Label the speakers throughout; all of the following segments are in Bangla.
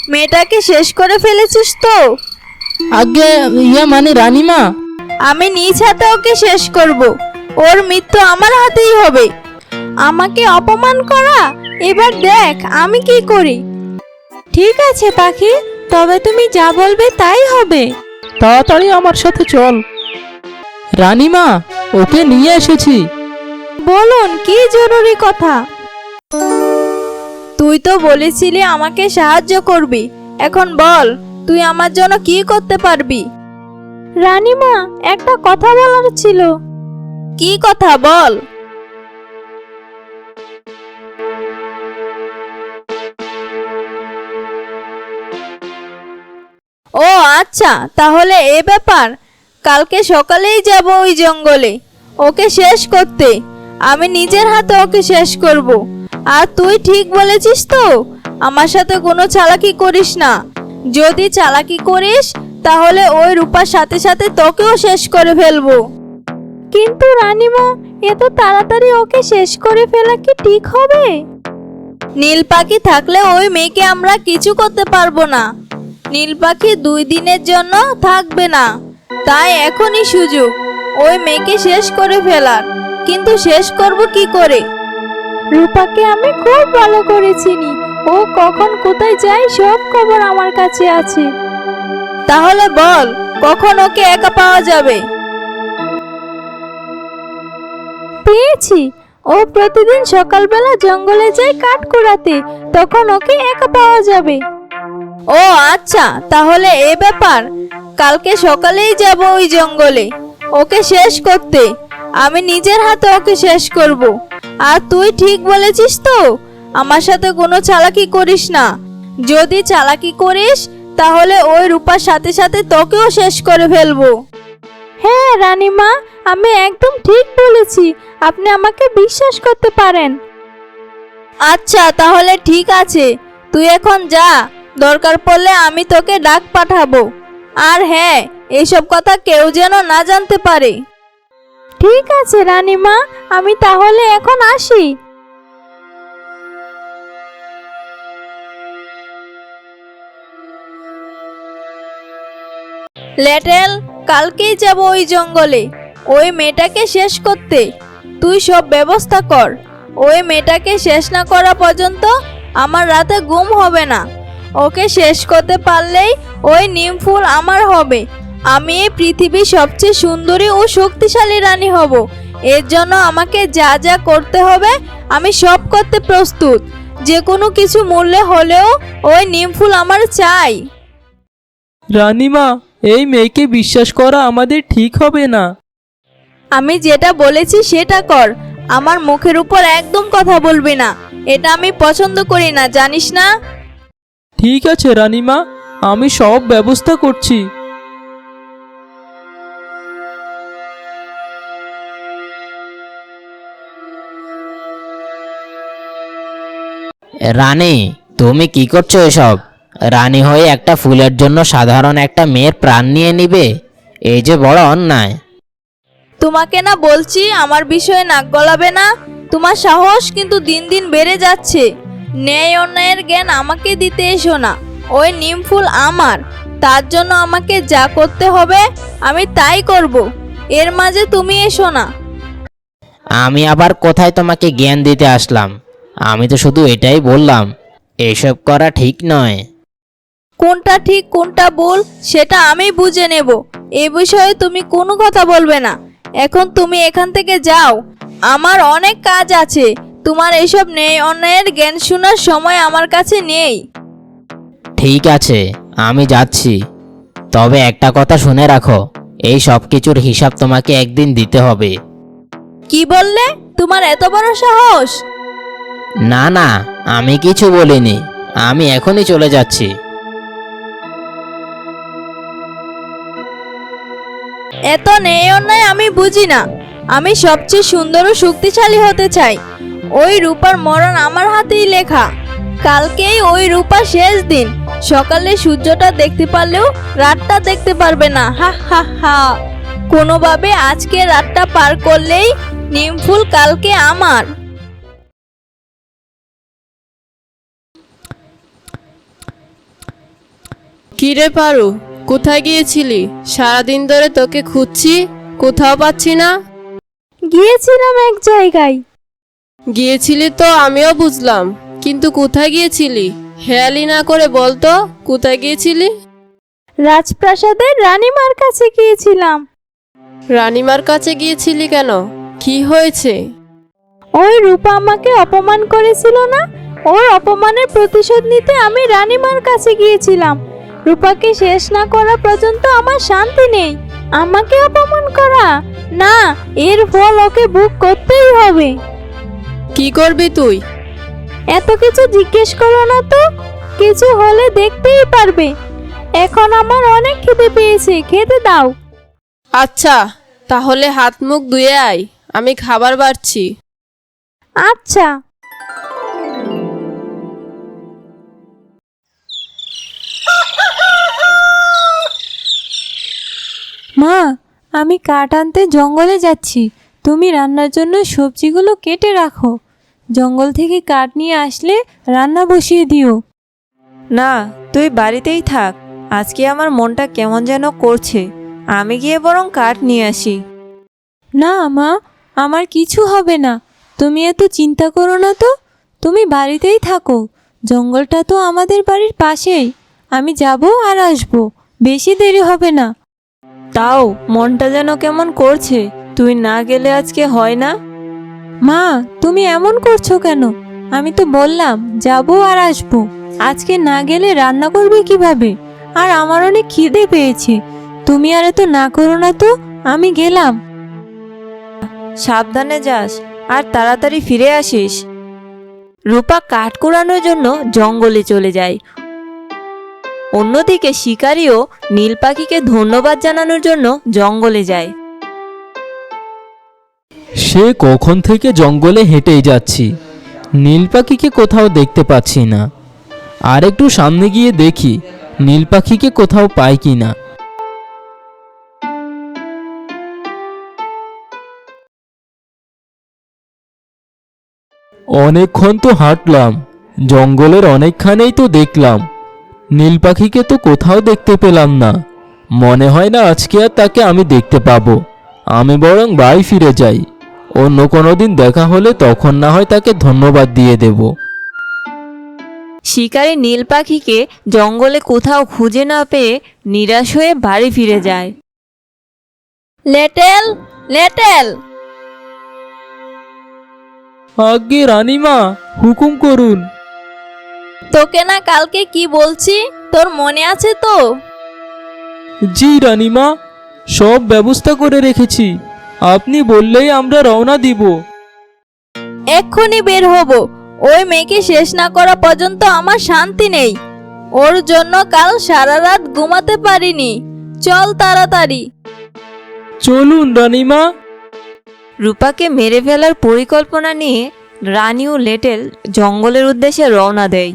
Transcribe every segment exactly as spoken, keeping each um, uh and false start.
Speaker 1: মেয়েটাকে শেষ করে ফেলেছিস তো?
Speaker 2: আগে ইয়া মানে রানীমা,
Speaker 1: আমি নিজ হাতে ওকে শেষ করব। ওর মৃত্যু আমার হাতেই হবে। আমাকে অপমান করা, এবার দেখ আমি কি করি। ঠিক আছে পাখি, তবে তুমি যা বলবে তাই হবে।
Speaker 2: তাড়াতাড়ি আমার সাথে চল। রানীমা, ওকে নিয়ে এসেছি।
Speaker 1: বলুন, কি জরুরি কথা? তুই তো বলেছিলি আমাকে সাহায্য করবি, এখন বল তুই আমার জন্য কি করতে পারবি? রানীমা, একটা কথা বলার ছিল। কি কথা বল? ও আচ্ছা, তাহলে এ ব্যাপার। কালকে সকালেই যাব ওই জঙ্গলে ওকে শেষ করতে। আমি নিজের হাতে ওকে শেষ করব। আর তুই ঠিক বলেছিস তো, আমার সাথে কোনো চালাকি করিস না। যদি চালাকি করিস তাহলে ওই রূপার সাথে সাথে তোকেও শেষ করে ফেলবো। কিন্তু রানীমা, এত তাড়াতাড়ি ওকে শেষ করে ফেলা কি ঠিক হবে? নীল পাখি থাকলে ওই মেয়েকে আমরা কিছু করতে পারবো না। নীল পাখি দুই দিনের জন্য থাকবে না, তাই এখনই সুযোগ ওই মেয়েকে শেষ করে ফেলার। কিন্তু শেষ করব কি করে? রূপাকে আমি খুব ভালো করে চিনি। ও কখন কোথায় যায় সব খবর আমার কাছে আছে। তাহলে বল, কখন ওকে একা পাওয়া যাবে? পেয়েছি। ও প্রতিদিন সকালবেলা জঙ্গলে যায় কাঠ কুড়াতে, তখন ওকে একা পাওয়া যাবে। ও আচ্ছা, তাহলে এ ব্যাপার। কালকে সকালেই যাব ওই জঙ্গলে ওকে শেষ করতে। আমি নিজের হাতে ওকে শেষ করব। আর তুই ঠিক বলেছিস তো, আমার সাথে কোনো চালাকি করিস না। যদি চালাকি করিস তাহলে ওই রূপার সাথে সাথে তোকেও শেষ করে ফেলবো। হ্যাঁ রানীমা, আমি একদম ঠিক বলেছি। আপনি আমাকে বিশ্বাস করতে পারেন। আচ্ছা তাহলে ঠিক আছে, তুই এখন যা। দরকার পড়লে আমি তোকে ডাক পাঠাবো। আর হ্যাঁ, এইসব কথা কেউ যেন না জানতে পারে। ঠিক আছে রানীমা, আমি তাহলে এখন আসি। লেটেল, কালকেই যাব ওই জঙ্গলে ওই মেয়েটাকে শেষ করতে। তুই সব ব্যবস্থা কর। ওই মেয়েটাকে শেষ না করা পর্যন্ত আমার রাতে ঘুম হবে না। ওকে শেষ করতে পারলেই ওই নিম ফুল আমার হবে। আমি এই পৃথিবীর সবচেয়ে সুন্দরী ও শক্তিশালী রানী হব। এর জন্য আমাকে যা যা করতে হবে আমি সব করতে প্রস্তুত। যে কোনো কিছু মূল্যে হলেও ওই নিম ফুল আমার চাই।
Speaker 2: রানীমা, এই মেয়েকে বিশ্বাস করা আমাদের ঠিক হবে না।
Speaker 1: আমি যেটা বলেছি সেটা কর। আমার মুখের উপর একদম কথা বলবি না। এটা আমি পছন্দ করি না, জানিস না?
Speaker 2: ঠিক আছে রানীমা, আমি সব ব্যবস্থা করছি।
Speaker 3: রানী, তুমি কি করছো এসব? রানী হয়ে একটা ফুলের জন্য সাধারণ একটা মেয়ের প্রাণ নিয়ে নিবে? এই যে বড় অন্যায়।
Speaker 1: তোমাকে না বলছি আমার বিষয়ে নাক গলাবে না। তোমার সাহস কিন্তু দিন দিন বেড়ে যাচ্ছে। ন্যায় অন্যায়ের জ্ঞান আমাকে দিতে এসো না। ওই নিম ফুল আমার, তার জন্য আমাকে যা করতে হবে আমি তাই করব। এর মাঝে তুমি এসো না।
Speaker 3: আমি আবার কোথায় তোমাকে জ্ঞান দিতে আসলাম? আমি তো শুধু এটাই বললাম, এসব করা ঠিক নয়।
Speaker 1: কোনটা ঠিক কোনটা ভুল সেটা আমি বুঝে নেব। এ বিষয়ে তুমি কোনো কথা বলবে না। এখন তুমি এখান থেকে যাও, আমার অনেক কাজ আছে। তোমার এসব ন্যায় অন্যায়ের জ্ঞান শোনার সময় আমার কাছে নেই।
Speaker 3: ঠিক আছে, আমি যাচ্ছি। তবে একটা কথা শুনে রাখো, এই সব কিছুর হিসাব তোমাকে একদিন দিতে হবে।
Speaker 1: কি বললে? তোমার এত বড় সাহস?
Speaker 3: না না, আমি কিছু বলিনি। আমি এখনই চলে যাচ্ছি।
Speaker 1: এত ন্যায় অন্যায় আমি বুঝি না। আমি সবচেয়ে সুন্দর ও শক্তিশালী হতে চাই। ওই রূপার মরণ আমার হাতেই লেখা। কালকেই ওই রূপার শেষ দিন। সকালে সূর্যটা দেখতে পারলেও রাতটা দেখতে পারবে না। হা হা হা। কোনোভাবে আজকে রাতটা পার করলেই নিমফুল কালকে আমার।
Speaker 4: কিরে পারু, কোথায় গিয়েছিলি? সারাদিন ধরে তোকে খুঁজছি, কোথাও পাচ্ছি না।
Speaker 1: গিয়েছিলাম এক জায়গায়।
Speaker 4: গিয়েছিলি তো আমিও বুঝলাম, কিন্তু কোথায় গিয়েছিলি? হেয়ালি না করে বলতো কোথায় গিয়েছিলি?
Speaker 1: রাজপ্রাসাদের রানীমার কাছে গিয়েছিলাম।
Speaker 4: রানীমার কাছে গিয়েছিলি কেন? কি হয়েছে?
Speaker 1: ওই রূপা আমাকে অপমান করেছিল না, ওর অপমানের প্রতিশোধ নিতে আমি রানীমার কাছে গিয়েছিলাম। রূপাকে শেষ না করা পর্যন্ত আমার শান্তি নেই। আমাকে অপমান করা, না, এর ফল ওকে ভোগ করতেই হবে।
Speaker 4: কি করবি তুই?
Speaker 1: এত কিছু জিজ্ঞেস করো না তো, কিছু হলে দেখতেই পারবে। এখন আমার অনেক খিদে পেয়েছে, খেতে দাও।
Speaker 4: আচ্ছা, তাহলে হাত মুখ ধুয়ে আয়, আমি খাবার বাড়ছি।
Speaker 1: আচ্ছা।
Speaker 5: মা, আমি কাঠ আনতে জঙ্গলে যাচ্ছি। তুমি রান্নার জন্য সবজিগুলো কেটে রাখো। জঙ্গল থেকে কাঠ নিয়ে আসলে রান্না বসিয়ে দিও।
Speaker 6: না, তুই বাড়িতেই থাক। আজকে আমার মনটা কেমন যেন করছে। আমি গিয়ে বরং কাঠ নিয়ে আসি।
Speaker 5: না মা, আমার কিছু হবে না। তুমি এত চিন্তা করো না তো। তুমি বাড়িতেই থাকো। জঙ্গলটা তো আমাদের বাড়ির পাশেই। আমি যাব আর আসবো, বেশি দেরি হবে না।
Speaker 6: তাও মনটা যেন কেমন করছে। তুই না গেলে আজকে হয় না।
Speaker 5: মা, তুমি এমন করছো কেন? আমি তো বললাম যাব আর আসবো। আজকে না গেলে রান্না করবে কিভাবে? আর আমার অনেক খিদে পেয়েছে। তুমি আর এত না করো না তো, আমি গেলাম।
Speaker 6: সাবধানে যাস আর তাড়াতাড়ি ফিরে আসিস। রূপা কাঠ কুড়ানোর জন্য জঙ্গলে চলে যায়। অন্যদিকে শিকারীও নীল পাখিকে ধন্যবাদ জানানোর জন্য জঙ্গলে যায়।
Speaker 2: সে কখন থেকে জঙ্গলে হেঁটেই যাচ্ছি, নীল পাখিকে কোথাও দেখতে পাচ্ছি না। আর একটু সামনে গিয়ে দেখি নীল পাখিকে কোথাও পাই কি না। অনেকক্ষণ তো হাঁটলাম, জঙ্গলের অনেকখানেই তো দেখলাম, নীল পাখিকে তো কোথাও দেখতে পেলাম না। মনে হয় না আজকে আর তাকে আমি দেখতে পাবো। আমি বরং বাড়ি ফিরে যাই। অন্য কোনো দিন দেখা হলে তখন না হয় তাকে ধন্যবাদ দিয়ে দেব।
Speaker 6: শিকারী নীল পাখিকে জঙ্গলে কোথাও খুঁজে না পেয়ে নিরাশ হয়ে বাড়ি ফিরে যায়।
Speaker 1: লেটেল, লেটেল।
Speaker 2: আগে রানীমা, হুকুম করুন।
Speaker 1: তোকে না কালকে কি বলছি, তোর মনে আছে তো?
Speaker 2: জি রানীমা, সব ব্যবস্থা করে রেখেছি। আপনি বললেই আমরা রওনা দিব।
Speaker 1: এক্ষুনি বের হব। ওই মেয়েকে শেষ না করা পর্যন্ত আমার শান্তি নেই। ওর জন্য কাল সারা রাত ঘুমাতে পারিনি। চল তাড়াতাড়ি।
Speaker 2: চলুন রানীমা।
Speaker 6: রূপাকে মেরে ফেলার পরিকল্পনা নিয়ে রানী ও লেটেল জঙ্গলের উদ্দেশ্যে রওনা দেয়।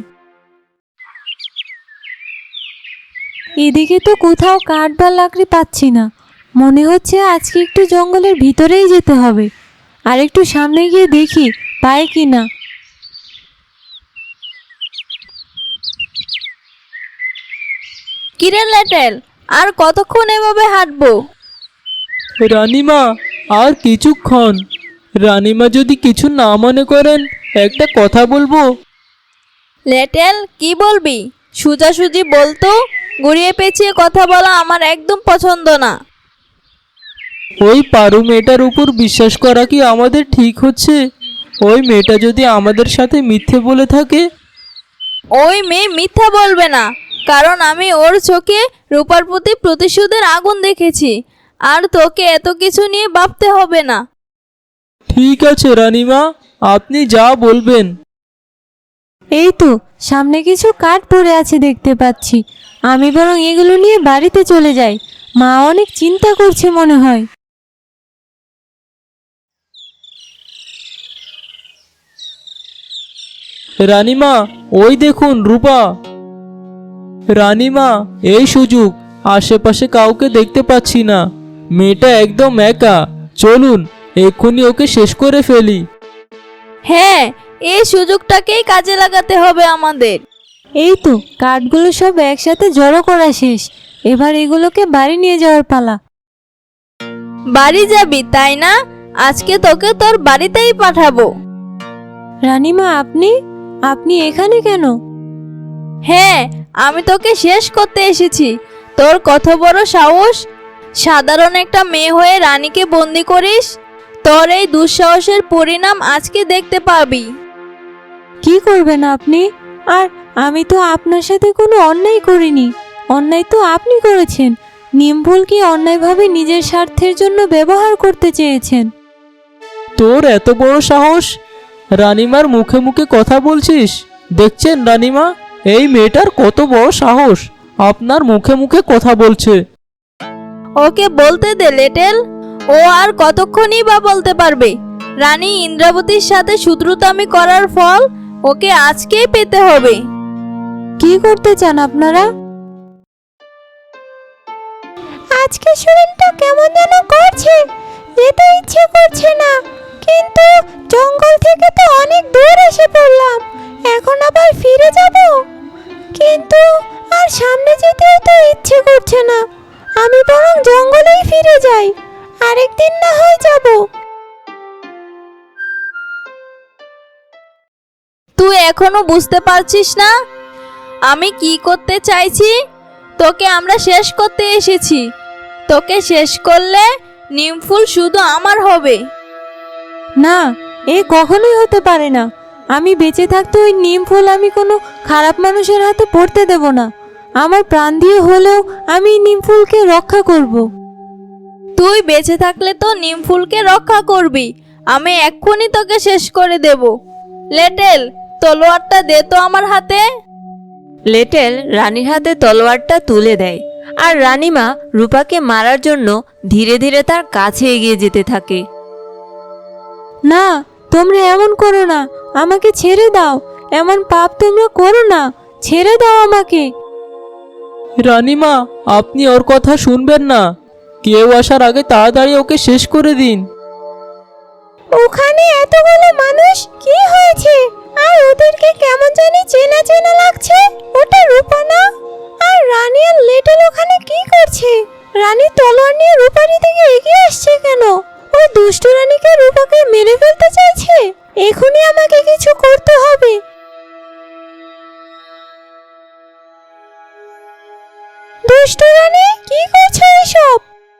Speaker 5: এদিকে তো কোথাও কাঠ বা লাকড়ি পাচ্ছি না। মনে হচ্ছে আজকে একটু জঙ্গলের ভিতরেই যেতে হবে। আর একটু সামনে গিয়ে দেখি পাই কি না।
Speaker 1: কিরে লেটেল, আর কতক্ষণ এভাবে হাঁটবো?
Speaker 2: রানীমা, আর কিছুক্ষণ। রানীমা যদি কিছু না মনে করেন একটা কথা বলবো।
Speaker 1: লেটেল, কি বলবি? সোজাসুজি বলতো। ঘুরিয়ে পেঁচিয়ে কথা বলা আমার একদম পছন্দ না।
Speaker 2: ওই পারু মেয়েটার উপর বিশ্বাস করা কি আমাদের ঠিক হচ্ছে? ওই মেয়েটা যদি আমাদের সাথে মিথ্যে বলে থাকে?
Speaker 1: ওই মেয়ে মিথ্যা বলবে না, কারণ আমি ওর চোখে রূপার প্রতি প্রতিশোধের আগুন দেখেছি। আর তোকে এত কিছু নিয়ে ভাবতে হবে না।
Speaker 2: ঠিক আছে রানীমা, আপনি যা বলবেন।
Speaker 5: এই তো সামনে কিছু কাঠ পড়ে আছে দেখতে পাচ্ছি। আমি বরং এগুলো নিয়ে বাড়িতে চলে যাই। মা অনেক চিন্তা করছে মনে হয়।
Speaker 2: রানীমা, ওই দেখুন রূপা। রানীমা, এই সুযোগ, আশেপাশে কাউকে দেখতে পাচ্ছি না। মেয়েটা একদম একা। চলুন এক্ষুনি ওকে শেষ করে ফেলি।
Speaker 1: হ্যাঁ, এই সুযোগটাকেই কাজে লাগাতে হবে আমাদের।
Speaker 5: এই তো কাঠগুলো সব একসাথে জড়ো করা শেষ। এবার এগুলোকে বাড়ি নিয়ে যাওয়ার পালা।
Speaker 1: বাড়ি যাবি তাই না? আজকে তোকে তোর বাড়িতেই পাঠাবো।
Speaker 5: রানীমা, আপনি আপনি এখানে কেন?
Speaker 1: হ্যাঁ, আমি তোকে শেষ করতে এসেছি। তোর কত বড় সাহস! সাধারণ একটা মেয়ে হয়ে রানীকে বন্দি করিস। তোর এই দুঃসাহসের পরিণাম আজকে দেখতে পাবি।
Speaker 5: কি করবেন আপনি? আর আমি তো আপনার সাথে কোনো অন্যায় করিনি। অন্যায় তো আপনি করেছেন। নিমফুলকে অন্যায়ভাবে নিজের স্বার্থের জন্য ব্যবহার করতে চেয়েছেন।
Speaker 2: তোর এত বড় সাহস! রানিমার মুখে মুখে কথা বলছিস? দেখছেন রানিমা, এই মেয়েটার কত বড় সাহস! আপনার মুখে মুখে কথা বলছে।
Speaker 1: ওকে বলতে দে লেটেল। ও আর কতক্ষণই বা বলতে পারবে? রানী ইন্দ্রাবতীর সাথে শত্রুতামি করার ফল ওকে আজকেই পেতে হবে।
Speaker 5: কি করতে চান আপনারা? আজকে শরীরটা কেমন যেন করছে, যেতে ইচ্ছে করছে না। কিন্তু জঙ্গল থেকে তো অনেক দূর এসে পড়লাম, এখন আবার ফিরে যাব। কিন্তু আর সামনে যেতেও তো ইচ্ছে করছে না। আমি বরং জঙ্গলেই ফিরে যাই, আরেকদিন না হয় যাব।
Speaker 1: তুই এখনো বুঝতে পারছিস না আমি কি করতে চাইছি? তোকে আমরা শেষ করতে এসেছি। তোকে শেষ করলে নিমফুল শুধু আমার হবে।
Speaker 5: না, এ কখনোই হতে পারে না। আমি বেঁচে থাকতে ওই নিম ফুল আমি কোনো খারাপ মানুষের হাতে পড়তে দেব না। আমার প্রাণ দিয়ে হলেও আমি নিম ফুলকে রক্ষা করব।
Speaker 1: তুই বেঁচে থাকলে তো নিমফুলকে রক্ষা করবি। আমি এক্ষুনি তোকে শেষ করে দেব। লেটেল, তলোয়ারটা দে তো আমার হাতে।
Speaker 6: লেটেল রানীর হাতে তলোয়ারটা তুলে দেয়, আর রানীমা রূপাকে মারার জন্য ধীরে ধীরে তার কাছে এগিয়ে যেতে থাকে।
Speaker 5: না, তোমরা এমন করো না, আমাকে ছেড়ে দাও। এমন পাপ তোমরা করো না, ছেড়ে দাও আমাকে।
Speaker 2: রানিমা, আপনি ওর কথা শুনবেন না। কেউ আসার আগে তাড়াতাড়ি ওকে শেষ করে দিন।
Speaker 5: ওখানে এতগুলো মানুষ, কি হয়েছে? আর ওদেরকে কেমন জানি চেনা চেনা লাগছে। ওটা রূপা না? আর রানী আর লেটেল ওখানে কি করছে? রানী তলোয়ার নিয়ে রূপার দিকে এগিয়ে আসছে কেন? ওই দুষ্ট রানীকে রূপাকে মেরে ফেলতে চাইছে। এখনই আমাকে কিছু করতে হবে। দুষ্ট রানী, কি করছো এসব?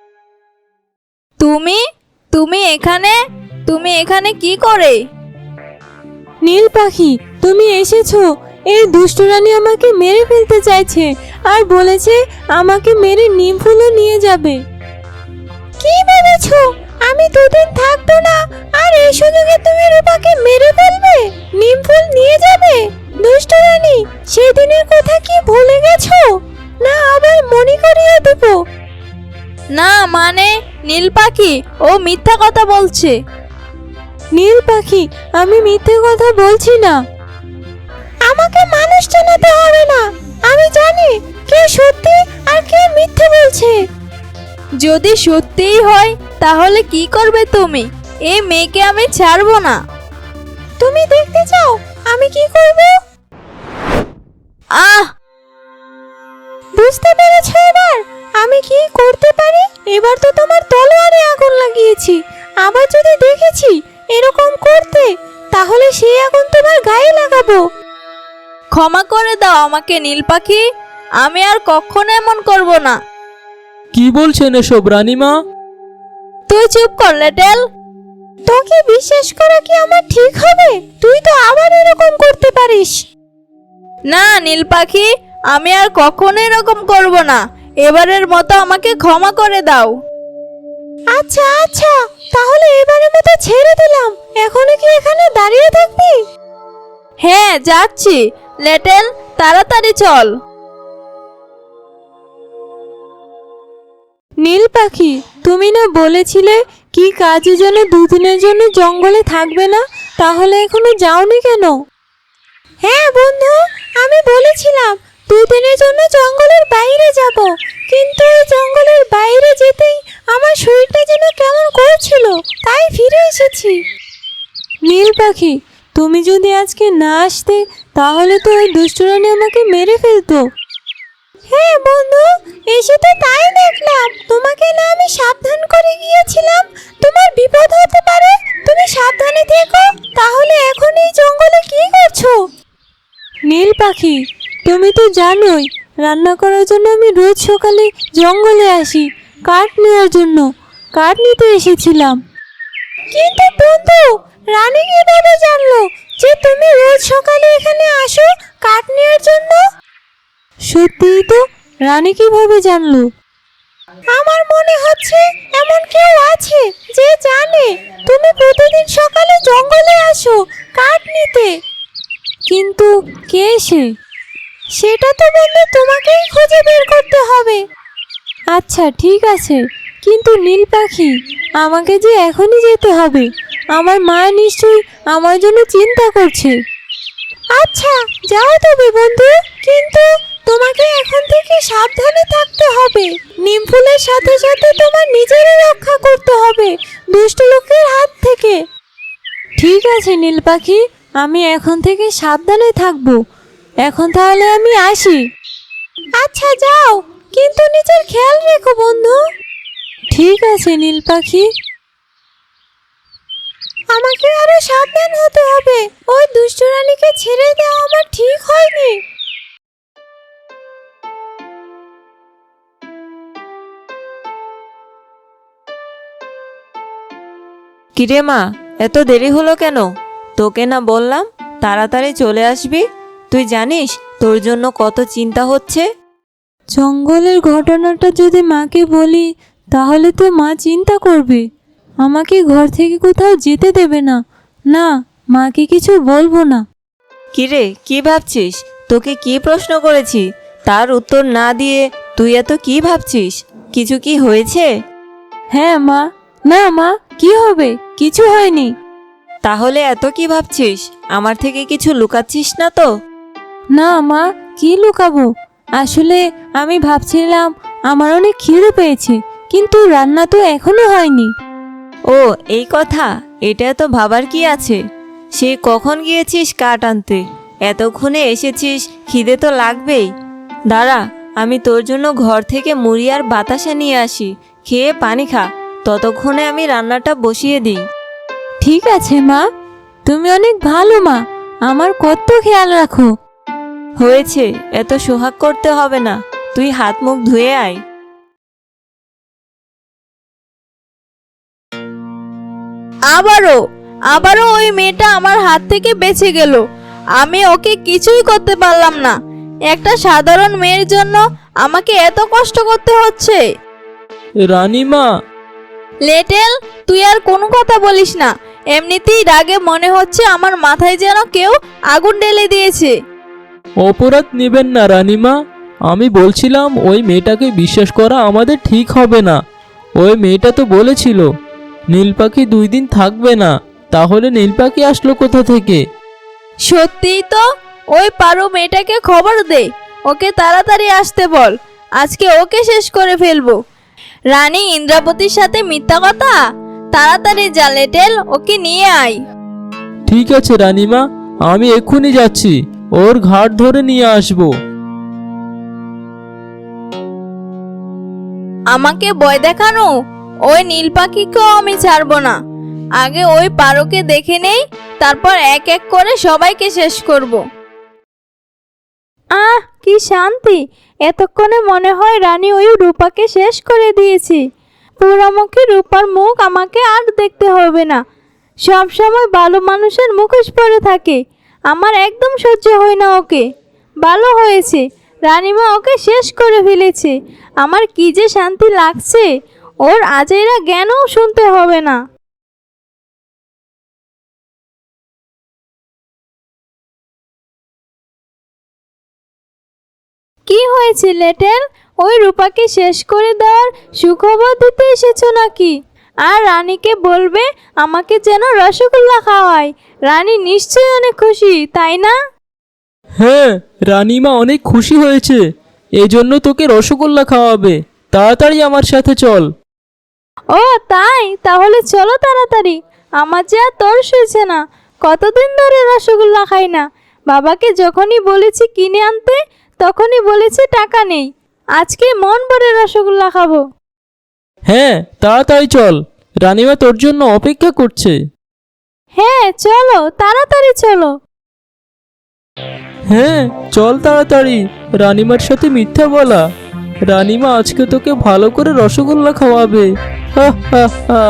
Speaker 1: তুমি তুমি এখানে তুমি এখানে কি করে?
Speaker 5: নীল পাখি, তুমি এসেছো। এই দুষ্ট রানী আমাকে মেরে ফেলতে চাইছে আর বলেছে আমাকে মেরে নিম ফুলও নিয়ে যাবে। কি ভেবেছো আমি দুদিন থাকবো না আর এই সুযোগে তুমি রূপাকে মেরে ফেলবে, নিম ফুল নিয়ে যাবে? দুষ্ট রানী, সেদিনের কথা কি ভুলে গেছো? না আবার মনে করিয়ে দেব?
Speaker 1: না মানে নীল পাখি, ও মিথ্যা কথা বলছে।
Speaker 5: নীল পাখি, আমি মিথ্যে কথা বলছি না। আমাকে মানুষ জানাতে হবে না, আমি জানি কে সত্যি আর কে মিথ্যে বলছে।
Speaker 1: যদি সত্যিই হয় তাহলে কি করবে তুমি? এই মেয়েকে আমি ছাড়বো না।
Speaker 5: তুমি দেখতে চাও আমি কি করব?
Speaker 1: আহ!
Speaker 5: বুঝতে পেরেছো এবার আমি কি করতে পারি? এবার তো তোমার তলোয়ারে আগুন লাগিয়েছি, আবার যদি দেখেছি এরকম করতে তাহলে সেই আগুন তোমার গায়ে লাগাবো।
Speaker 1: ক্ষমা করে দাও আমাকে নীল পাখি, আমি আর কখনো এমন করব না।
Speaker 2: কি বলছেন এসব রানিমা?
Speaker 1: তুই চুপ কর লেটেল।
Speaker 5: তোকে বিশ্বাস করা কি আমার ঠিক হবে? তুই তো আবার এরকম করতে পারিস।
Speaker 1: না নীল পাখি, আমি আর কখনো এরকম করব না। এবারের মতো আমাকে ক্ষমা করে দাও।
Speaker 5: আচ্ছা আচ্ছা, তাহলে এবারের মতো ছেড়ে দিলাম। এখনো কি এখানে দাঁড়িয়ে থাকবি?
Speaker 1: হ্যাঁ যাচ্ছি। লেটেল, তাড়াতাড়ি চল।
Speaker 5: নীল পাখি, তুমি না বলেছিলে কি কাজের জন্য দুদিনের জন্য জঙ্গলে থাকবে না? তাহলে এখনো যাওনি কেন? হ্যাঁ বন্ধু, আমি বলেছিলাম দুদিনের জন্য জঙ্গলের বাইরে যাব, কিন্তু এই জঙ্গলের বাইরে যেতেই আমার শরীরটা যেন কেমন করছিল, তাই ফিরে এসেছি। নীল পাখি, তুমি যদি আজকে না আসতে তাহলে তো ওই দুষ্টরানি আমাকে মেরে ফেলতো। হ্যাঁ বন্ধু, এসে তো তাই দেখলাম। তোমাকে না আমি সাবধান করে গিয়েছিলাম তোমার বিপদ হতে পারে, তুমি সাবধানে থেকো। তাহলে এখন এই জঙ্গলে কি করছো? নীল পাখি, তুমি তো জানোই রান্না করার জন্য আমি রোজ সকালে জঙ্গলে আসি কাঠ নেওয়ার জন্য। কাঠ নিতে এসেছিলাম। কিন্তু বন্ধু, রানী কিভাবে জানলো যে তুমি রোজ সকালে এখানে আসো কাঠ নেওয়ার জন্য? সত্যিই তো, রানী কিভাবে জানলো? আমার মনে হচ্ছে এমন কেউ আছে যে জানে তুমি প্রতিদিন সকালে জঙ্গলে আসো কাঠ নিতে। কিন্তু কে সে? সেটা তো বন্ধু তোমাকেই খুঁজে বের করতে হবে। আচ্ছা ঠিক আছে, কিন্তু নীল পাখি, আমাকে যে এখনই যেতে হবে। আমার মা নিশ্চয়ই আমার জন্য চিন্তা করছে। আচ্ছা যাও তবে বন্ধু, কিন্তু তোমাকে এখন থেকে সাবধানে থাকতে হবে। নিম ফুলের সাথে সাথে তোমার নিজেরই রক্ষা করতে হবে দুষ্ট লোকের হাত থেকে। ঠিক আছে নীল পাখি, আমি এখন থেকে সাবধানে থাকবো। এখন তাহলে আমি আসি। আচ্ছা যাও, কিন্তু নিজের খেয়াল রেখো বন্ধু। ঠিক আছে নীল পাখি। আমাকে আরো সাবধান হতে হবে, ওই দুষ্ট রানীকে ছেড়ে দেওয়া আমার ঠিক হয়নি।
Speaker 6: কিরে মা, এত দেরি হলো কেন? তোকে না বললাম তাড়াতাড়ি চলে আসবি? তুই জানিস তোর জন্য কত চিন্তা হচ্ছে।
Speaker 5: জঙ্গলের ঘটনাটা যদি মাকে বলি তাহলে তো মা চিন্তা করবে, আমাকে ঘর থেকে কোথাও যেতে দেবে না। না, মাকে কিছু বলবো না।
Speaker 6: কিরে, কি ভাবছিস? তোকে কি প্রশ্ন করেছি তার উত্তর না দিয়ে তুই এত কি ভাবছিস? কিছু কি হয়েছে?
Speaker 5: হ্যাঁ মা। না মা, কি হবে? কিছু হয়নি।
Speaker 6: তাহলে এত কি ভাবছিস? আমার থেকে কিছু লুকাচ্ছিস না তো?
Speaker 5: না মা, কি লুকাবো? আসলে আমি ভাবছিলাম আমার অনেক খিদে পেয়েছে, কিন্তু রান্না তো এখনো হয়নি।
Speaker 6: ও এই কথা, এটা তো ভাবার কি আছে? সে কখন গিয়েছিস কাঠ আনতে, এতক্ষণে এসেছিস, খিদে তো লাগবেই। দাঁড়া, আমি তোর জন্য ঘর থেকে মুড়ি আর বাতাসা নিয়ে আসি, খেয়ে পানি খা। ততক্ষণে আমি রান্নাটা বসিয়ে দিই।
Speaker 5: ঠিক আছে মা, তুমি অনেক ভালো মা, আমার কত খেয়াল রাখো।
Speaker 6: হয়েছে, এত সোহাগ করতে হবে না, তুই হাত মুখ ধুয়ে আয়।
Speaker 1: আবারও আবারও ওই মেয়েটা আমার হাত থেকে বেঁচে গেল। আমি ওকে কিছুই করতে পারলাম না। একটা সাধারণ মেয়ের জন্য আমাকে এত কষ্ট করতে হচ্ছে।
Speaker 2: রানীমা,
Speaker 1: লেটেল, তুই আর কোনো কথা বলিস না। এমনিতেই রাগে মনে হচ্ছে আমার মাথায় যেন কেউ আগুন ঢেলে দিয়েছে।
Speaker 2: অপরাধ নেবেন না রানীমা। আমি বলছিলাম ওই মেয়েটাকে বিশ্বাস করা আমাদের ঠিক হবে না। ওই মেয়েটা তো বলেছিল নীল পাখি দুই দিন থাকবে না, তাহলে নীল পাখি আসলো কোথা থেকে?
Speaker 1: সত্যিই তো, ওই পারো মেয়েটাকে খবর দে, ওকে তাড়াতাড়ি আসতে বল। আজকে ওকে শেষ করে ফেলবো। রানী ইন্দ্রাবতীর সাথে মিথ্যা কথা? তাড়াতাড়ি যা লেটেল, ওকে নিয়ে আয়।
Speaker 2: ঠিক আছে রানীমা, আমি এক্ষুনি যাচ্ছি, ওর ঘাট ধরে নিয়ে আসবো।
Speaker 1: আমাকে ভয় দেখানো? ওই নীল পাখিকেও আমি ছাড়বো না। আগে ওই পারোকে দেখে নেই, তারপর এক এক করে সবাইকে শেষ করব। আহ, কি শান্তি! এতক্ষণে মনে হয় রানী ওই রূপাকে শেষ করে দিয়েছি। পোড়ামুখী রূপার মুখ আমাকে আর দেখতে হবে না। সব সময় ভালো মানুষের মুখোশ পরে থাকে। আমার একদম সহ্য হয় না ওকে। ভালো হয়েছে, রানীমা ওকে শেষ করে ফেলেছে। আমার কি যে শান্তি লাগছে। ওর আজেরা জ্ঞানও শুনতে হবে না। কি হয়েছে লেটেল? ওই রূপাকে শেষ করে দেওয়ার সুখবর দিতে এসেছো নাকি? আর রানীকে বলবে আমাকে যেন রসগোল্লা খাওয়ায়। রানী নিশ্চয়ই অনেক খুশি, তাই না?
Speaker 2: হ্যাঁ, রানীমা অনেক খুশি হয়েছে, এই জন্য তোকে রসগোল্লা খাওয়াবে। তাড়াতাড়ি আমার সাথে চল।
Speaker 1: ও তাই, তাহলে চলো তাড়াতাড়ি। আমার যে আর তর সইছে না। কতদিন ধরে রসগোল্লা খাই না। বাবাকে যখনই বলেছি কিনে আনতে তখনই বলেছে টাকা নেই। আজকে মন ভরে রসগোল্লা খাবো।
Speaker 2: হ্যাঁ, তাড়াতাড়ি চল, রানিমা তোর জন্য অপেক্ষা করছে।
Speaker 1: হ্যাঁ চলো, তাড়াতাড়ি চলো।
Speaker 2: হ্যাঁ চল তাড়াতাড়ি, রানিমার সাথে মিথ্যা বলা। রানিমা আজকে তোকে ভালো করে রসগোল্লা খাওয়াবে। হা হা হা।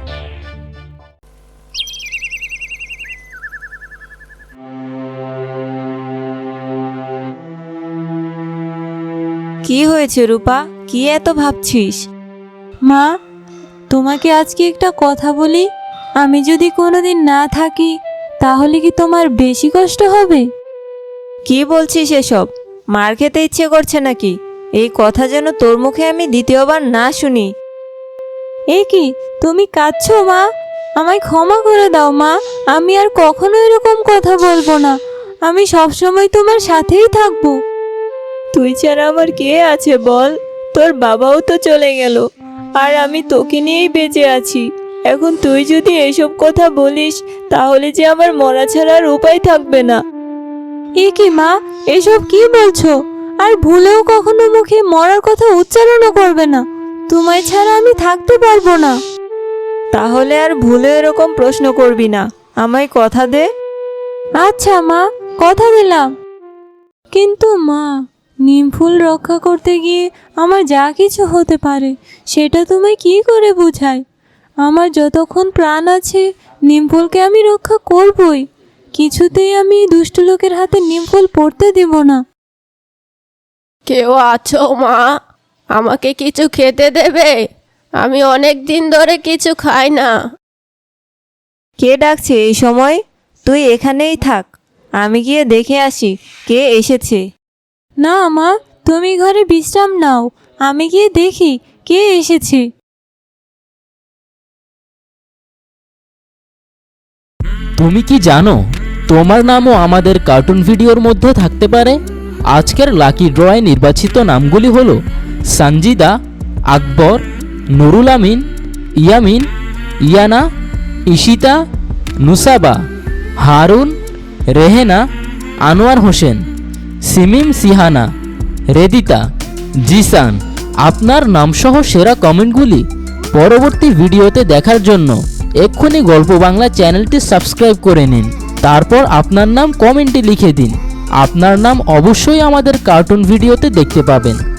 Speaker 6: কি হয়েছে রূপা, কি এত ভাবছিস?
Speaker 5: মা, তোমাকে আজকে একটা কথা বলি। আমি যদি কোনোদিন না থাকি তাহলে কি তোমার বেশি কষ্ট হবে?
Speaker 6: কি বলছিস এসব? মার খেতে ইচ্ছে করছে নাকি? এই কথা যেন তোর মুখে আমি দ্বিতীয়বার না শুনি।
Speaker 5: এ কি, তুমি কাঁদছো মা? আমায় ক্ষমা করে দাও মা, আমি আর কখনো এরকম কথা বলবো না। আমি সবসময় তোমার সাথেই থাকবো।
Speaker 6: তুই ছাড়া আমার কে আছে বল? তোর বাবাও তো চলে গেল, আর আমি তোকে নিয়েই বেঁচে আছি। এখন তুই যদি এসব কথা বলিস তাহলে যে আমার মরা ছাড়া আর উপায় থাকবে না।
Speaker 5: এ কি মা, এসব কি বলছো? আর ভুলেও কখনো মুখে মরার কথা উচ্চারণও করবে না। তোমায় ছাড়া আমি থাকতে পারবো না।
Speaker 6: তাহলে আর ভুলে এরকম প্রশ্ন করবি না, আমায় কথা দে।
Speaker 5: আচ্ছা মা, কথা দিলাম। কিন্তু মা, নিমফুল রক্ষা করতে গিয়ে আমার যা কিছু হতে পারে সেটা তোমায় কি করে বোঝায়? আমার যতক্ষণ প্রাণ আছে নিমফুলকে আমি রক্ষা করবই। কিছুতেই আমি দুষ্ট লোকের হাতে নিমফুল পড়তে দিব না।
Speaker 4: কেউ আছো মা? আমাকে কিছু খেতে দেবে? আমি অনেক দিন ধরে কিছু খাই না।
Speaker 6: কে ডাকছে এই সময়? তুই এখানেই থাক, আমি গিয়ে দেখে আসি কে এসেছে।
Speaker 5: না মা, তুমি ঘরে বিশ্রাম নাও, আমি গিয়ে দেখি কে এসেছে।
Speaker 2: তুমি কি জানো তোমার নামও আমাদের কার্টুন ভিডিওর মধ্যে থাকতে পারে? আজকের লাকি ড্রয়ে নির্বাচিত নামগুলি হলো সানজিদা, আকবর, নুরুল আমিন, ইয়ামিন, ইয়ানা, ইশিতা, নুসাবা, হারুন, রেহেনা, আনোয়ার হোসেন, সিমিম সিহানা, রেদিতা, জিসান। আপনার নামসহ সেরা কমেন্টগুলি পরবর্তী ভিডিওতে দেখার জন্য এক্ষুনি গল্প বাংলা চ্যানেলটি সাবস্ক্রাইব করে নিন। তারপর আপনার নাম কমেন্টে লিখে দিন। আপনার নাম অবশ্যই আমাদের কার্টুন ভিডিওতে দেখতে পাবেন।